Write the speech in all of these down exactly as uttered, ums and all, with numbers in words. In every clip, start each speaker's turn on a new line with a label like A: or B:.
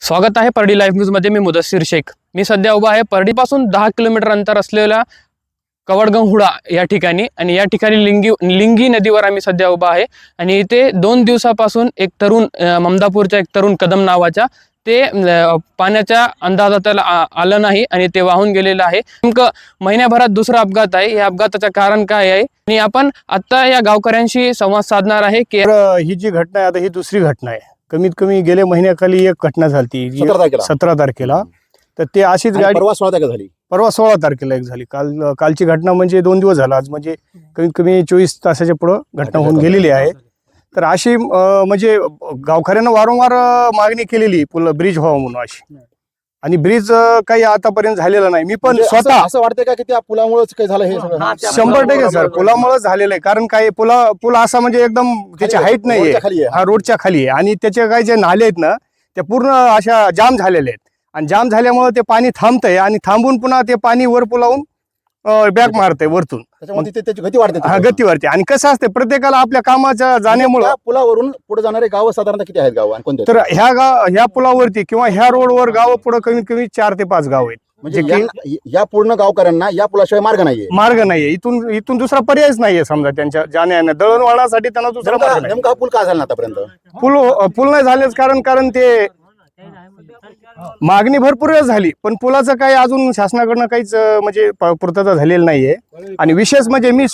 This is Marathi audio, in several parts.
A: स्वागत आहे परडी लाईव्ह न्यूज मध्ये. मी मुदस्सीर शेख. मी सध्या उभा आहे परडीपासून दहा किलोमीटर अंतर असलेल्या कवडगंहुडा या ठिकाणी आणि या ठिकाणी लिंगी लिंगी नदीवर आम्ही सध्या उभा आहे आणि इथे दोन दिवसापासून एक तरुण ममदापूरचा एक तरुण कदम नावाचा ते पाण्याच्या अंदाजात आलं नाही आणि ते वाहून गेलेलं आहे. नेमकं महिन्याभरात दुसरा अपघात आहे. या अपघाताचं कारण काय आहे आणि आपण आता या गावकऱ्यांशी संवाद साधणार आहे की
B: ही जी घटना आहे आता ही दुसरी घटना आहे. कमीत कमी गेल्या महिन्याखाली एक घटना झाली सतरा तारखेला. तर ते अशीच गाडी
C: परवा सोळा तारखेला झाली
B: परवा सोळा तारखेला एक झाली. काल कालची घटना म्हणजे दोन दिवस झाला. आज म्हणजे कमीत कमी चोवीस तासाच्या पुढं घटना होऊन गेलेली आहे. तर अशी म्हणजे गावकऱ्यांना वारंवार मागणी केलेली पुल ब्रिज व्हावं म्हणून अशी, आणि ब्रिज काही आतापर्यंत झालेला नाही. मी पण स्वतः
C: असं वाटतंय का की त्या पुलामुळेच काही झालं हे सगळं?
B: शंभर टक्के सर पुलामुळेच झालेलं आहे. कारण काय पुला पूल असा म्हणजे एकदम त्याची हाईट नाहीये, हा रोडच्या खाली आहे आणि त्याचे काही जे नाले आहेत ना ते पूर्ण अशा जाम झालेले आहेत आणि जाम झाल्यामुळे ते पाणी थांबतंय आणि थांबून पुन्हा ते पाणी वर पुलावून बॅक मारतंय वरतून.
C: त्याच्यामध्ये त्याची गती वाढते.
B: हा गती वाढते आणि कसं असते प्रत्येकाला आपल्या कामाच्या जाण्यामुळे
C: पुलावरून पुढे जाणारे गाव साधारणतः किती आहेत गाव आणि कोणते?
B: तर ह्या गाव ह्या पुलावरती किंवा ह्या रोडवर गाव पुढे कमीत कमी चार ते पाच गाव आहेत.
C: म्हणजे या पूर्ण गावकऱ्यांना या पुलाशिवाय मार्ग नाहीये
B: मार्ग नाहीये. इथून इथून दुसरा पर्यायच नाहीये समजा त्यांच्या जाण्या दळणवळणासाठी त्यांना दुसरा मार्ग नाही.
C: नेमका हा पूल का झाला आतापर्यंत?
B: पूल पूल नाही झालेच कारण कारण ते मागणी भरपूर वेळ झाली पण पुलाचं काही अजून शासनाकडनं काहीच म्हणजे पूर्तता झालेली नाहीये. आणि विशेष म्हणजे मी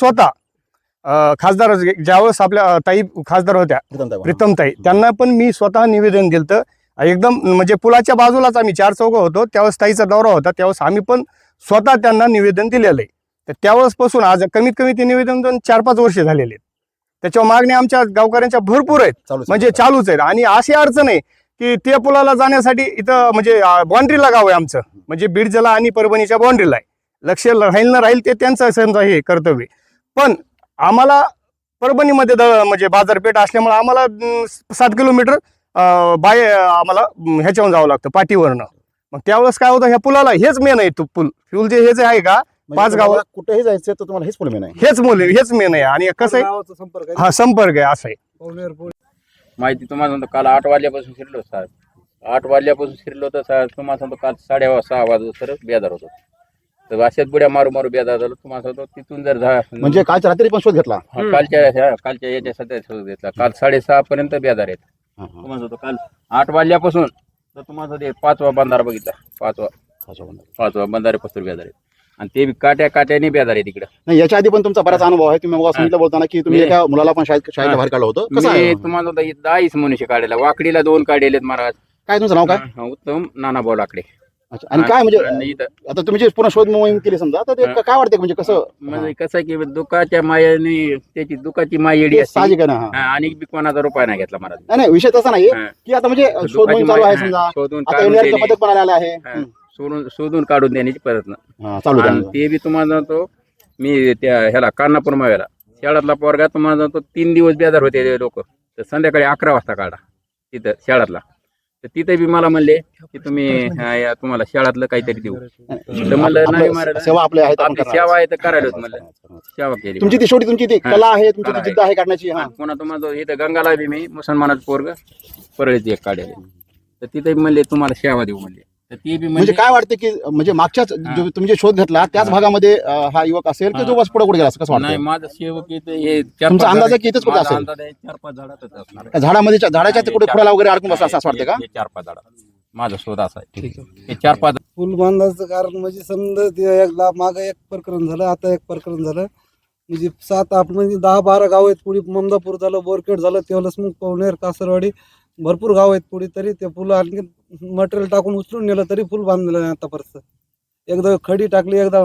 B: स्वतः खासदार ज्यावेळेस आपल्या ताई खासदार होत्या प्रीतमताई त्यांना पण मी स्वतः निवेदन दिलं. एकदम म्हणजे पुलाच्या बाजूलाच आम्ही चार चौघं होतो त्यावेळेस ताईचा दौरा होता त्यावेळेस आम्ही पण स्वतः त्यांना निवेदन दिलेलं आहे. तर त्यावेळेस पासून आज कमीत कमी ते निवेदन दोन चार पाच वर्ष झालेले आहेत. त्याच्यावर मागणी आमच्या गावकऱ्यांच्या भरपूर आहेत म्हणजे चालूच आहेत. आणि अशी अडचण आहे की त्या पुलाला जाण्यासाठी इथं म्हणजे बाउंड्रीला गाव आहे आमचं, म्हणजे बीड जिल्हा आणि परभणीच्या बाउंड्रीला आहे. लक्ष राहील ना राहील ते त्यांचं समजा हे कर्तव्य. पण आम्हाला परभणीमध्ये म्हणजे बाजारपेठ असल्यामुळे आम्हाला सात किलोमीटर बाय आम्हाला ह्याच्यावरून जावं लागतं पाठीवरनं. मग त्यावेळेस काय होतं ह्या पुलाला हेच मेन आहे. तो पूल फ्यूल जे हेच आहे का पाच गावाला
C: कुठेही जायचं तर तुम्हाला हेच पूल मेन आहे.
B: हेच मूल हेच मेन आहे. आणि कसं आहे हा संपर्क आहे असं आहे.
D: माहिती तुम्हाला सांगतो काल आठ वाजल्यापासून शिरलो साहेब आठ वाजल्यापासून शिरलो तर साहेब तुम्हाला सांगतो काल साडे सहा वाजता सर बेदार होतो. तर अशाच बुड्या मारू मारू बेदार झालो. तुम्हाला सांगतो तिथून जर झा
C: म्हणजे कालच्या रात्री पण शोध घेतला
D: कालच्या कालच्या याच्या सध्या शोध घेतला. काल साडेसहा पर्यंत बेदार आहेत. तुम्हाला सांगतो काल आठ वाजल्यापासून तर तुम्हाला ते पाचवा बंधारा बघितला. पाचवा पाचवा पाचवा बंधारे पस्तूर बेदार आहेत आणि ते काट्या काट्याने बेदार आहे तिकडे.
C: नाही याच्या आधी पण तुमचा बराच अनुभव आहे. तुम्ही सांगितलं बोलताना की तुम्ही एका मुलाला पण शाळेत शाळेच्या बाहेर काढलं होतं. कसं आहे
D: तुम्हाला दहाच मनुष्य काढलेला. वाकडीला दोन काढलेत महाराज.
C: काय तुमचं नाव काय?
D: उत्तम नानाभाऊ लाकडे.
C: अच्छा. आणि काय म्हणजे आता तुम्ही जे पुन्हा शोध मोहीम केली समजा तर ते काय वाटते म्हणजे कसं
D: म्हणजे कसं की दुःखाच्या मायाने त्याची दुःखाची माय येडी असते
C: साहजिक आहे ना.
D: आणि बी कोणाचा रुपया नाही घेतला महाराज.
C: नाही विषय तसा नाही की आता म्हणजे शोध मोहीम चालू आहे समजा आता एनडीआरएफचं पथक पण आलेलं आहे.
D: सोडून शोधून काढून देण्याची प्रयत्न
C: चालू आहे.
D: ते बी तुम्हाला जातो मी त्या ह्याला कान्हापूर माव्याला शाळातला पोरगा तुम्हाला जातो तीन दिवस बेजार होते लोक. तर संध्याकाळी अकरा वाजता काढा तिथं शाळातला. तर तिथे बी मला म्हणले की तुम्ही तुम्हाला शाळातलं काहीतरी देऊ. तर मला नाही मारायला
C: सेवा आपल्या आहेत
D: सेवा आहे तर करायला म्हणलं सेवा केली.
C: तुमची ती शेवटी तुमची ती कला आहे तुमची ती जिद्द आहे काढण्याची.
D: पुन्हा तुम्हाला इथं गंगाला बी मी मुसलमानाचं पोरग परळीची एक काढले. तर तिथे म्हणले तुम्हाला सेवा देऊ म्हणले. तर ती बी
C: म्हणजे काय वाटतं की म्हणजे मागच्याच तुम्ही जे शोध घेतला त्याच भागामध्ये हा युवक असेल की जो बस पुढे कुठे गेला असं कसं वाटतं?
D: नाही माझं सेवक हे
C: तुमचा अंदाज आहे की इथेच कुठे असेल?
D: चार पाच झाडातच असणार.
C: झाडामध्ये झाडाच्या कुठे खुडाला वगैरे अडकून बसला असं वाटतं का?
D: चार पाच झाडा माझा शोध असा आहे. ठीक आहे. हे चार पाच
E: पूल बांधायचं कारण म्हणजे समजा ते एकदा मागं एक प्रकरण झालं आता एक प्रकरण झालं म्हणजे सात आठ म्हणजे दहा बारा गाव आहेत. पुढे ममदापूर झालं बोरखेड झालं तेवढंच मग पवनेर कासरवाडी भरपूर गाव आहेत पुढे. तरी ते पूल आणखी मटेरियल टाकून उचलून नेलं तरी पूल बांधलेलं नाही आतापर्यंत. एकदा खडी टाकली एकदा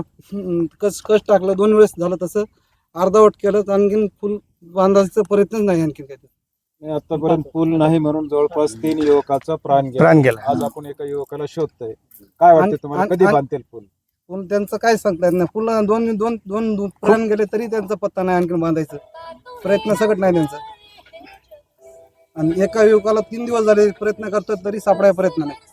E: कस कस टाकलं दोन वेळेस झालं तसं अर्धवट केलं. आणखीन पूल बांधायचा प्रयत्नच नाही आणखीन काही.
F: आतापर्यंत पूल नाही म्हणून जवळपास तीन युवकाचा प्राण गेला
B: प्राण गेला.
F: आज आपण एका युवकाला शोधतोय. काय वाटतं तुम्हाला कधी बांधतील पूल?
E: पूल त्यांचं काय सांगता येत नाही. पूल दोन दोन दोन प्राण गेले तरी त्यांचा पत्ता नाही आणखीन बांधायचं प्रयत्न सगळं नाही त्यांचा. आणि एका युवकाला तीन दिवस झाले प्रयत्न करतात तरी सापडायचा प्रयत्न नाही.